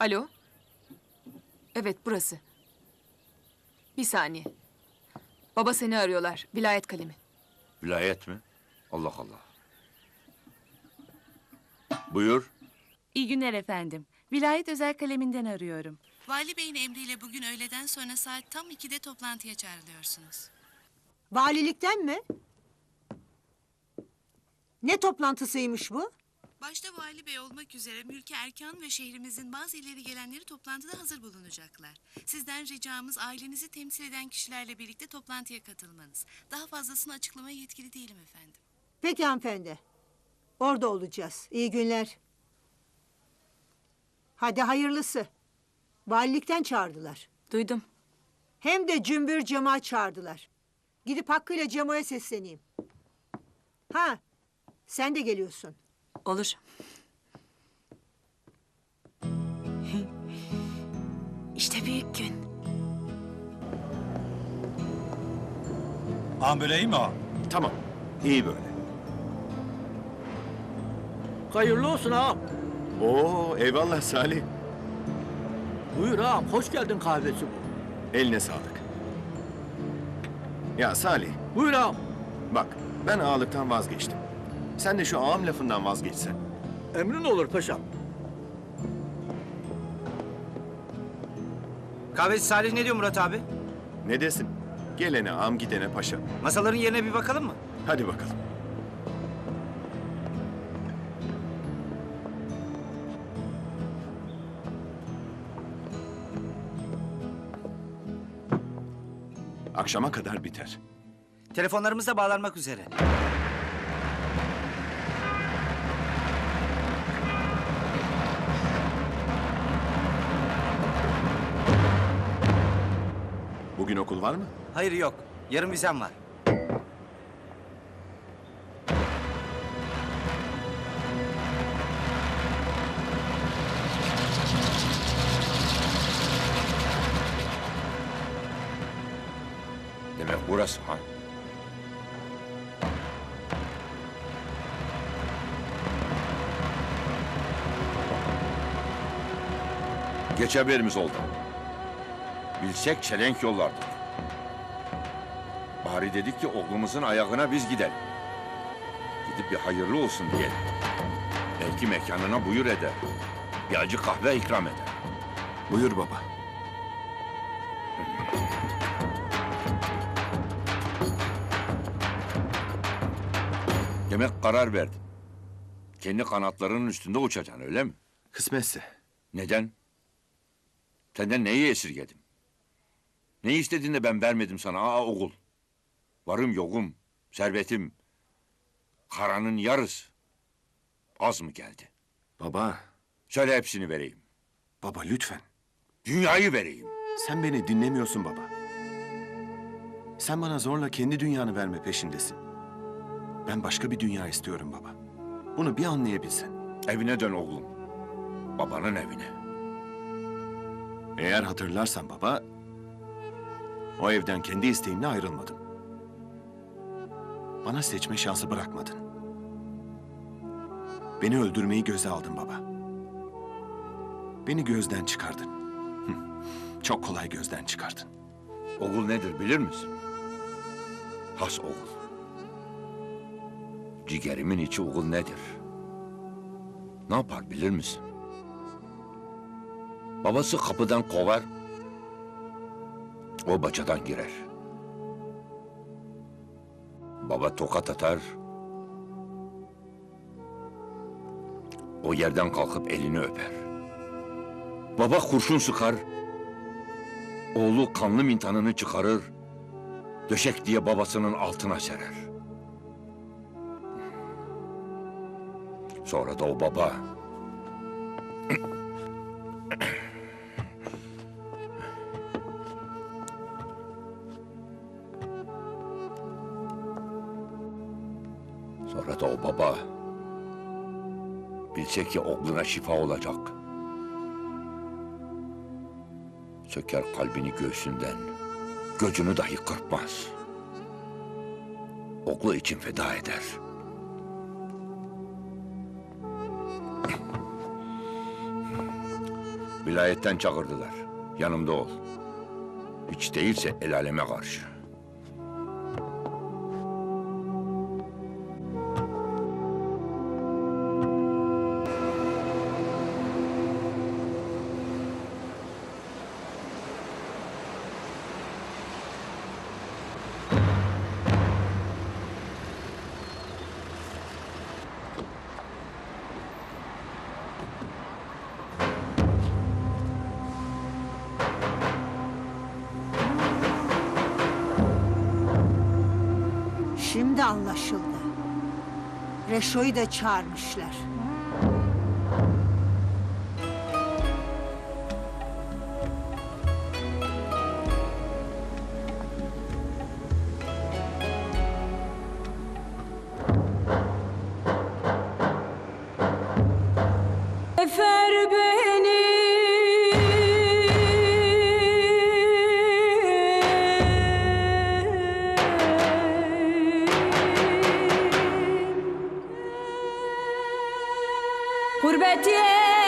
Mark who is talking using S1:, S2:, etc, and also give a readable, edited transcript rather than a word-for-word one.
S1: Alo? Evet, burası. Bir saniye. Baba seni arıyorlar. Vilayet kalemi.
S2: Vilayet mi? Allah Allah. Buyur.
S3: İyi günler efendim. Vilayet özel kaleminden arıyorum. Vali Bey'in emriyle bugün öğleden sonra saat tam 2'de toplantıya çağrılıyorsunuz.
S4: Valilikten mi? Ne toplantısıymış bu?
S3: Başta Vali Bey olmak üzere mülki erkan ve şehrimizin bazı ileri gelenleri toplantıda hazır bulunacaklar. Sizden ricamız ailenizi temsil eden kişilerle birlikte toplantıya katılmanız. Daha fazlasını açıklamaya yetkili değilim efendim.
S4: Peki hanımefendi. Orada olacağız. İyi günler. Hadi hayırlısı. Valilikten çağırdılar.
S1: Duydum.
S4: Hem de cümbür cemaat çağırdılar. Gidip hakkıyla Cemo'ya sesleneyim. Ha, sen de geliyorsun.
S1: Olur. İşte büyük gün.
S5: Ağam böyle iyi mi ağam?
S2: Tamam. İyi böyle.
S6: Hayırlı olsun ağam.
S2: Oo, eyvallah Salih.
S6: Buyur ağam, hoş geldin kahvesi bu.
S2: Eline sağlık. Ya Salih,
S6: Buyur ağam.
S2: bak ben ağalıktan vazgeçtim. Sen de şu ağam lafından vazgeçsen.
S6: Emrin olur paşam.
S7: Kahveci Salih ne diyor Murat abi?
S2: Ne desin? Gelene ağam gidene paşa.
S7: Masaların yerine bir bakalım mı?
S2: Hadi bakalım. Akşama kadar biter.
S7: Telefonlarımız da bağlanmak üzere.
S2: Bugün okul var mı?
S7: Hayır yok. Yarın vizem var.
S2: Demek burası ha? Geç haberimiz oldu. Bilsek çelenk yollardık. Bari dedik ki oğlumuzun ayağına biz gidelim. Gidip bir hayırlı olsun diyelim. Belki mekanına buyur eder. Bir acı kahve ikram eder. Buyur baba. Demek karar verdin. Kendi kanatlarının üstünde uçacaksın öyle mi?
S8: Kısmetse.
S2: Neden? Senden neyi esirgedim? Ne istedin de ben vermedim sana oğul? Varım yokum, servetim. Karanın yarısı. Az mı geldi?
S8: Baba,
S2: Söyle hepsini vereyim.
S8: baba lütfen.
S2: Dünyayı vereyim.
S8: Sen beni dinlemiyorsun baba. Sen bana zorla kendi dünyanı verme peşindesin. Ben başka bir dünya istiyorum baba. Bunu bir anlayabilsen.
S2: Evine dön oğlum. Babanın evine.
S8: Eğer hatırlarsan baba, o evden kendi isteğimle ayrılmadım. Bana seçme şansı bırakmadın. Beni öldürmeyi göze aldın baba. Beni gözden çıkardın. Çok kolay gözden çıkardın.
S2: Oğul nedir bilir misin? Has oğul. Ciğerimin içi oğul nedir? Ne yapar bilir misin? Babası kapıdan kovar, o bacadan girer. Baba tokat atar, o yerden kalkıp elini öper. Baba kurşun sıkar, oğlu kanlı mintanını çıkarır, döşek diye babasının altına serer. Sonra da o baba Sonra da o baba bilse ki oğluna şifa olacak. Söker kalbini göğsünden, gözünü dahi kırpmaz. Oğlu için feda eder. Vilayetten çağırdılar. Yanımda ol. Hiç değilse el aleme karşı.
S4: Şimdi anlaşıldı. Reşo'yu da çağırmışlar.
S5: Efer beni gurbet